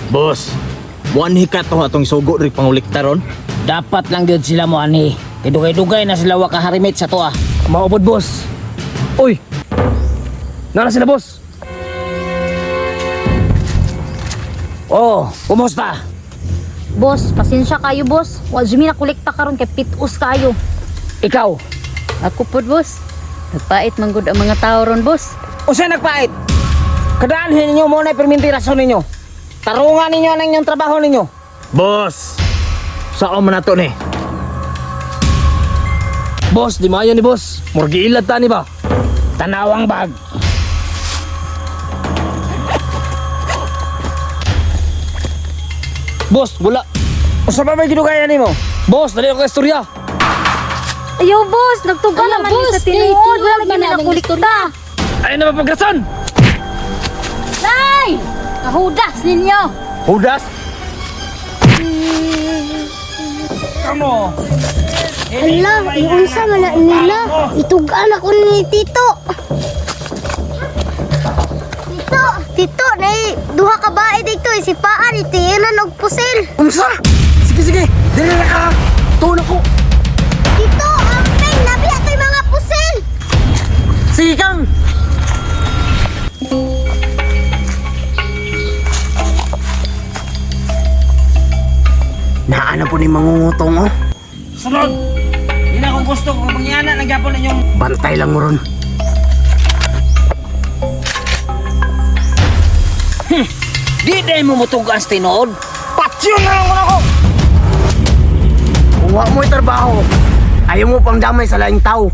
Boss, buwan hikat to atong sugo rin pangulikta ron. Dapat lang yun sila mo ani. Dugay-dugay na sila wakaharimit sa toa. Maubod, boss. Uy! Nara sila, boss. Oh, kumusta? Boss, pasensya kayo boss. Wa jud mi nakolekta karon kay pitus kayo. Ikaw, Ako po, boss. Nagpait manggod ang mga tao ron, boss. usa nagpait? Kadaanhin ninyo mo na permintirasyon ninyo. Tarungan ninyo ang inyong trabaho ninyo. Boss, saan man nato ni? Boss, di maayo ni boss. Murgi ilad ta ni ba? Tanawang bag. Boss, wala. Usa pa may gidugayan nimo? Boss, dali ako ka istorya. Ayaw boss, nagtuga Ano, naman boss? ni sa tinuod. Tinuod Wala lagi man na namin nakolekta. Ay na mapagrason! Nay! Kahudas ninyo. Hudas? Kamo. Hala, iunsa man na nila. Itugan ako ni Tito. Tito, duha ka bae dito. Isipaan, itiinan og pusil. Unsa? Sige, sige. Dili na ka. Tuon ako. Tito, amping, nabi ato'y mga pusil. Sige kang. Naana po ni mangungutong oh. Sunod. Di na akong gusto kung mangyana nagyapon ninyong Bantay lang mo ron. di day mo mutugas tinuod. Patsyon na lang ako. Kung wa mo'y trabaho, ayaw mo pang damay sa laing tao.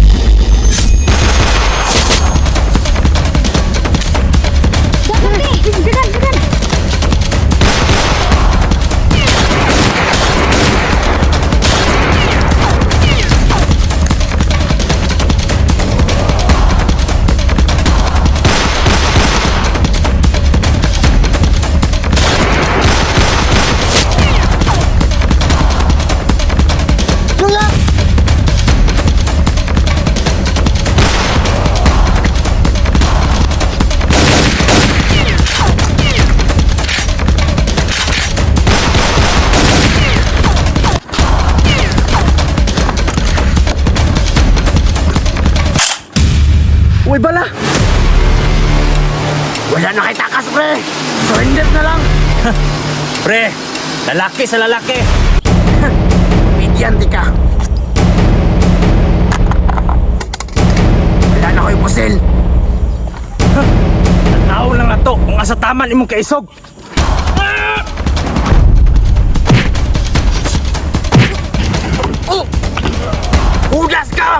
Uy, bala! Wala na kay takas, pre! Surrender na lang! Pre, lalaki sa lalaki. Bigyan di ka! Wala na ko'y pusil! Tanaw lang na to kung asa taman imong kaisog. Hudas ka!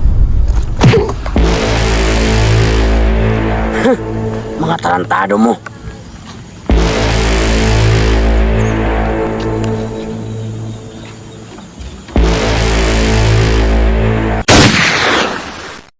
Mga tarantado mo!